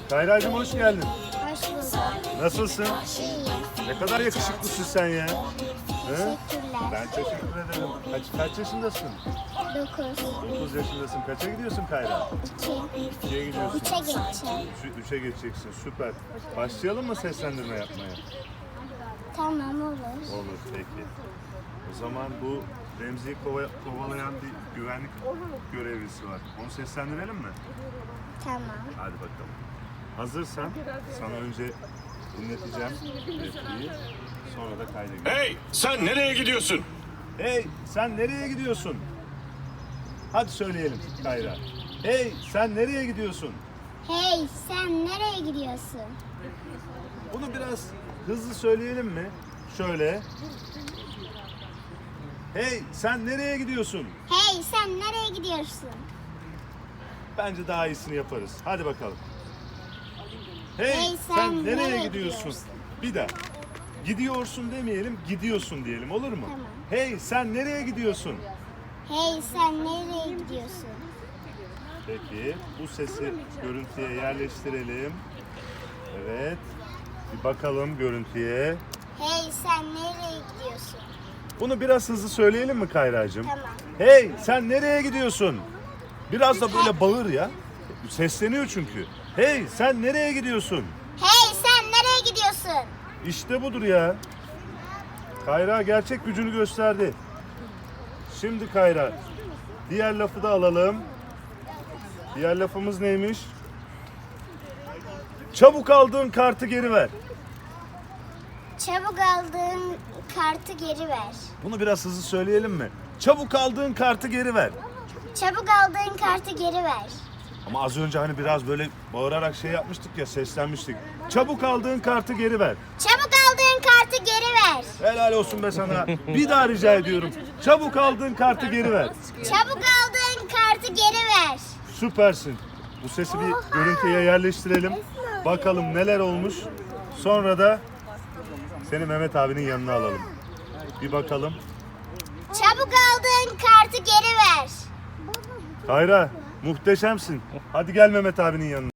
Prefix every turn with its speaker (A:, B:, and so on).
A: Kayracığım hoş geldin.
B: Hoş bulduk.
A: Nasılsın?
B: İyiyim.
A: Ne kadar yakışıklısın sen ya. He?
B: Teşekkürler.
A: Ben teşekkür ederim. Kaç yaşındasın?
B: 9,
A: 9 yaşındasın. Kaça gidiyorsun Kayra?
B: 2,
A: 2'ye gidiyorsun.
B: 3'e geçeceğim.
A: 3'e geçeceksin. Süper. Başlayalım mı seslendirme yapmaya?
B: Tamam olur.
A: Olur peki. O zaman bu Remzi'yi kovalayan bir güvenlik görevlisi var. Onu seslendirelim mi?
B: Tamam.
A: Hadi bakalım. Hazırsan sana önce dinleteceğim repliği. Sonra da kayda gireceğim.
C: Hey, sen nereye gidiyorsun?
A: Hey sen nereye gidiyorsun? Hadi söyleyelim Kayra. Hey sen nereye gidiyorsun?
B: Hey, sen nereye gidiyorsun?
A: Bunu biraz hızlı söyleyelim mi? Şöyle. Hey sen nereye gidiyorsun?
B: Hey, sen nereye gidiyorsun?
A: Bence daha iyisini yaparız. Hadi bakalım. Hey,
B: Hey,
A: sen nereye gidiyorsun? Bir daha. Gidiyorsun demeyelim, gidiyorsun diyelim. Olur mu?
B: Tamam.
A: Hey, sen nereye gidiyorsun?
B: Hey, sen nereye gidiyorsun?
A: Peki, bu sesi görüntüye yerleştirelim. Evet. Bir bakalım görüntüye.
B: Hey, sen nereye gidiyorsun?
A: Bunu biraz hızlı söyleyelim mi Kayracığım?
B: Tamam.
A: Hey, sen nereye gidiyorsun? Biraz da böyle bağır ya. Sesleniyor çünkü. Hey, sen nereye gidiyorsun?
B: Hey, sen nereye gidiyorsun?
A: İşte budur ya. Kayra gerçek gücünü gösterdi. Şimdi Kayra, diğer lafı da alalım. Diğer lafımız neymiş? Çabuk aldığın kartı geri ver.
B: Çabuk aldığın kartı geri ver.
A: Bunu biraz hızlı söyleyelim mi? Çabuk aldığın kartı geri ver.
B: Çabuk aldığın kartı geri ver.
A: Ama az önce hani biraz böyle bağırarak şey yapmıştık ya, seslenmiştik. Çabuk aldığın kartı geri ver.
B: Çabuk aldığın kartı geri ver.
A: Helal olsun be sana. Bir daha rica ediyorum. Çabuk aldığın kartı geri ver.
B: Çabuk aldığın kartı geri ver.
A: Süpersin. Bu sesi bir görüntüye yerleştirelim. Bakalım neler olmuş. Sonra da seni Mehmet abinin yanına alalım. Bir bakalım.
B: Çabuk aldığın kartı geri ver.
A: Kayra muhteşemsin. Hadi gel Mehmet abinin yanına.